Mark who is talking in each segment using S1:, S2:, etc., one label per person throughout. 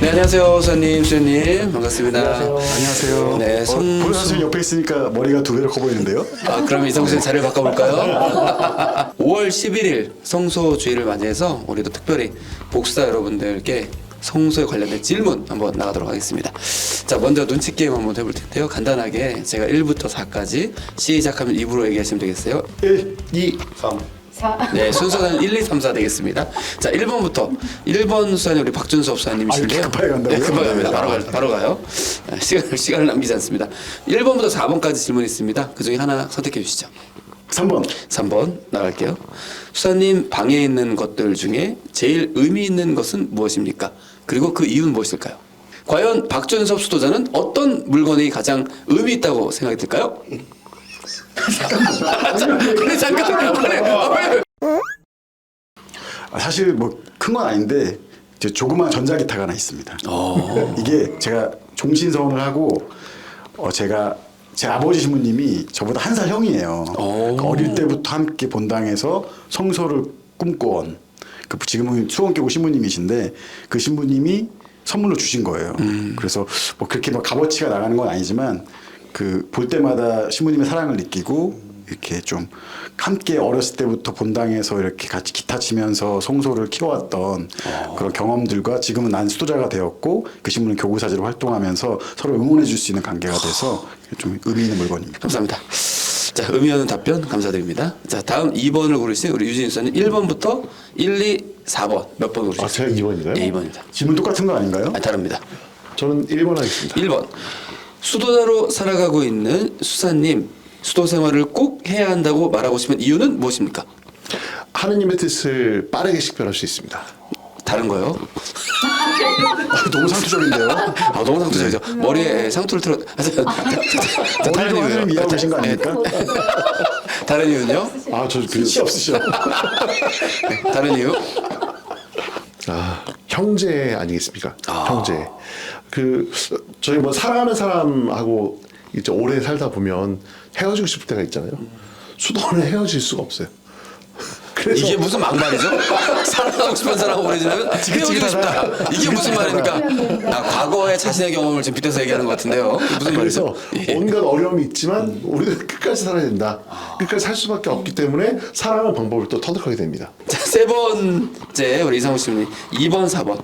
S1: 네, 안녕하세요, 수사님 반갑습니다.
S2: 안녕하세요.
S1: 네,
S2: 보현 선생님 옆에 있으니까 머리가 두 배로 커 보이는데요.
S1: 그럼 이성수 씨 자리를 바꿔볼까요? 5월 11일 성소주의를 맞이해서 우리도 특별히 복수자 여러분들께 성소에 관련된 질문 한번 나가도록 하겠습니다. 자, 먼저 눈치 게임 한번 해볼 텐데요. 간단하게 제가 1부터 4까지 시작하면 입으로 얘기하시면 되겠어요.
S2: 1, 2, 3.
S1: 네, 순서는 1, 2, 3, 4 되겠습니다. 자, 1번부터 1번 수사님 우리 박준섭 수사님이신데요.
S2: 이렇게 급하게 간다고요?
S1: 네, 급하게 갑니다. 바로 가요. 시간을 남기지 않습니다. 1번부터 4번까지 질문이 있습니다. 그 중에 하나 선택해 주시죠.
S2: 3번.
S1: 3번 나갈게요. 수사님 방에 있는 것들 중에 제일 의미 있는 것은 무엇입니까? 그리고 그 이유는 무엇일까요? 과연 박준섭 수도자는 어떤 물건이 가장 의미 있다고 생각이 들까요? 잠깐.
S2: 사실 뭐 큰 건 아닌데 이제 조그만 전자기타가 하나 있습니다. 이게 제가 종신서원을 하고 제가 제 아버지 신부님이 저보다 한 살 형이에요. 그러니까 어릴 때부터 함께 본당에서 성소를 꿈꿔온 지금은 수원교구 신부님이신데 그 신부님이 선물로 주신 거예요. 그래서 뭐 그렇게 뭐 값어치가 나가는 건 아니지만 그 볼 때마다 신부님의 사랑을 느끼고 이렇게 좀 함께 어렸을 때부터 본당에서 이렇게 같이 기타 치면서 성소를 키워왔던 그런 경험들과 지금은 난 수도자가 되었고 그 신부는 교구사제로 활동하면서 서로 응원해 줄 수 있는 관계가 돼서 좀 의미 있는 물건입니다.
S1: 감사합니다. 자, 의미 있는 답변 감사드립니다. 자, 다음 2번을 고르신 우리 유진희 수사님 1번부터 1, 2, 4번 몇 번 고르셨어요?
S3: 제가 2번인가요?
S1: 네, 2번입니다.
S2: 질문 똑같은 거 아닌가요?
S1: 다릅니다.
S3: 저는 1번 하겠습니다.
S1: 1번 수도자로 살아가고 있는 수사님 수도 생활을 꼭 해야 한다고 말하고 싶은 이유는 무엇입니까?
S3: 하느님의 뜻을 빠르게 식별할 수 있습니다.
S1: 다른 거요?
S2: 너무 상투적인데요.
S1: 너무 상투적이죠. 머리에 상투를 틀어.
S2: 머리도 하나님 이해하고 계신 거 아닙니까?
S1: 다른 이유는요?
S3: 저
S2: 끝이 없으셔.
S1: 다른 이유?
S3: 형제 아니겠습니까? 형제. 저희 뭐 사랑하는 사람하고 이제 오래 살다 보면 헤어지고 싶을 때가 있잖아요. 수도는 헤어질 수가 없어요. 그래서
S1: 이게 무슨 막말이죠? 사랑하고 싶은 사람하고 오래 지나면 헤어지고 싶다. 이게 무슨 말입니까? 과거의 자신의 경험을 지금 빗대서 얘기하는 것 같은데요. 무슨 말이죠?
S3: 그래서 온갖 어려움이 있지만 우리는 끝까지 살아야 된다. 끝까지 살 수밖에 없기 때문에 사랑하는 방법을 또 터득하게 됩니다.
S1: 자, 세 번째 우리 이상호 씨님 2번, 4번.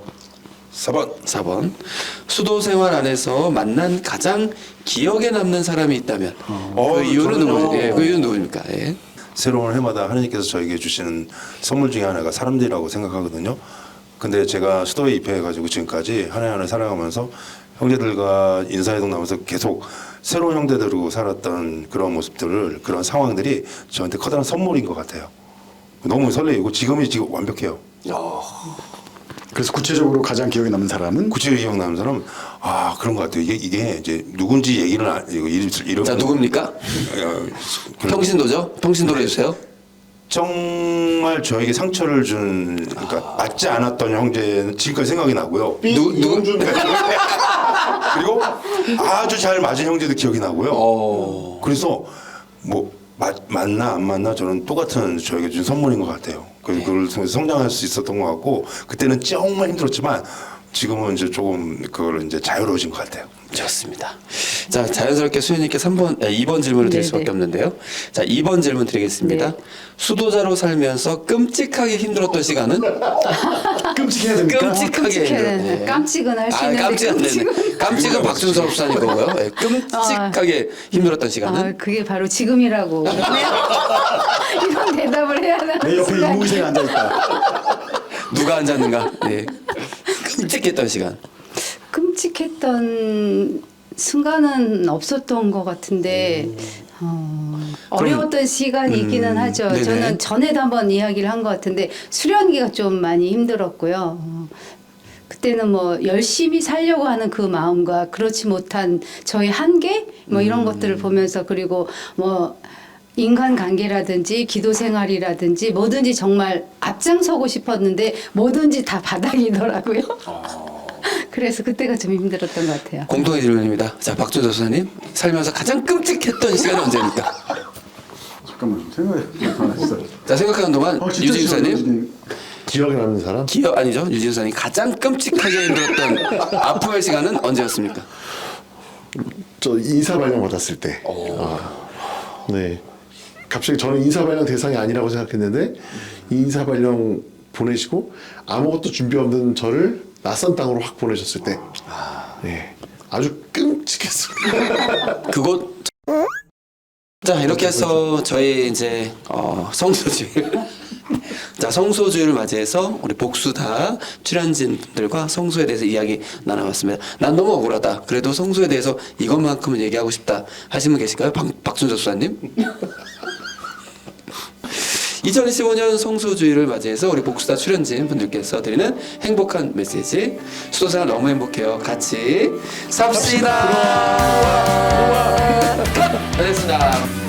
S1: 4번. 수도 생활 안에서 만난 가장 기억에 남는 사람이 있다면 그 이유는 누구죠? 예, 그 이유는 누구입니까? 예.
S4: 새로운 해마다 하나님께서 저에게 주시는 선물 중에 하나가 사람들이라고 생각하거든요. 근데 제가 수도에 입회해가지고 지금까지 한 해 한 해 살아가면서 형제들과 인사이동 나면서 계속 새로운 형제들하고 살았던 그런 모습들을 그런 상황들이 저한테 커다란 선물인 것 같아요. 너무 설레이고 지금 완벽해요.
S2: 그래서 구체적으로 가장 기억에 남는 사람은
S4: 구체적으로 기억나는 사람 그런 것 같아요. 이게 이제 누군지 얘기는 이름
S1: 자, 누굽니까? 평신도죠? 평신도로 해주세요.
S4: 정말 저에게 상처를 준 그러니까 맞지 않았던 형제는 지금까지 생각이 나고요.
S3: 이동준
S4: 그리고 아주 잘 맞은 형제도 기억이 나고요. 그래서 뭐 맞나 안 맞나 저는 똑같은 저에게 준 선물인 것 같아요. 그걸 통해서 성장할 수 있었던 것 같고 그때는 정말 힘들었지만 지금은 이제 조금 그걸 이제 자유로워진 것 같아요.
S1: 좋습니다. 자, 자연스럽게 수현님께 2번 질문을 드릴 수밖에 없는데요. 자, 2번 질문 드리겠습니다.
S5: 네.
S1: 수도자로 살면서 끔찍하게 힘들었던 시간은?
S2: 끔찍해야 됩니까?
S1: 끔찍하게 힘들었던.
S5: 깜찍은 할 수 있는데
S1: 깜찍은 박준섭 수사님 거고요. 예, 끔찍하게 힘들었던 시간은?
S5: 그게 바로 지금이라고. 이런 대답을 해야 하나?
S2: 내 옆에 이무희생이 앉아있다.
S1: 누가 앉았는가? 예. 끔찍했던 시간.
S5: 끔찍했던 순간은 없었던 것 같은데 어려웠던 시간이 있기는 하죠.
S1: 네네.
S5: 저는 전에도 한번 이야기를 한 것 같은데 수련기가 좀 많이 힘들었고요. 그때는 뭐 열심히 살려고 하는 그 마음과 그렇지 못한 저의 한계 뭐 이런 것들을 보면서 그리고 뭐 인간관계라든지 기도 생활이라든지 뭐든지 정말 앞장서고 싶었는데 뭐든지 다 바닥이더라고요. 그래서 그때가 좀 힘들었던 것 같아요.
S1: 공통의 질문입니다. 자, 박준섭 수사님 살면서 가장 끔찍했던 시간이 언제입니까?
S2: 잠깐만 생각해.
S1: 자, 생각하는 동안 유진 수사님
S3: 기억에 남는 사람?
S1: 기억 아니죠. 유진선이 가장 끔찍하게 힘들었던 아픔의 시간은 언제였습니까?
S3: 저 인사 발령 받았을 때. 네. 갑자기 저는 인사 발령 대상이 아니라고 생각했는데 인사 발령 보내시고 아무것도 준비 없는 저를 낯선 땅으로 확 보내셨을 때. 네. 아주 끔찍했습니다.
S1: 그곳. 자 이렇게 해서 저희 이제 성소주일 자 성소주일을 맞이해서 우리 복수다 출연진 분들과 성소에 대해서 이야기 나눠봤습니다. 난 너무 억울하다. 그래도 성소에 대해서 이것만큼은 얘기하고 싶다 하시는 분 계실까요? 박준석 수사님? 2025년 성소주의를 맞이해서 우리 복수다 출연진 분들께서 드리는 행복한 메시지. 수도생활 너무 행복해요. 같이 삽시다. 끝! 알겠습니다.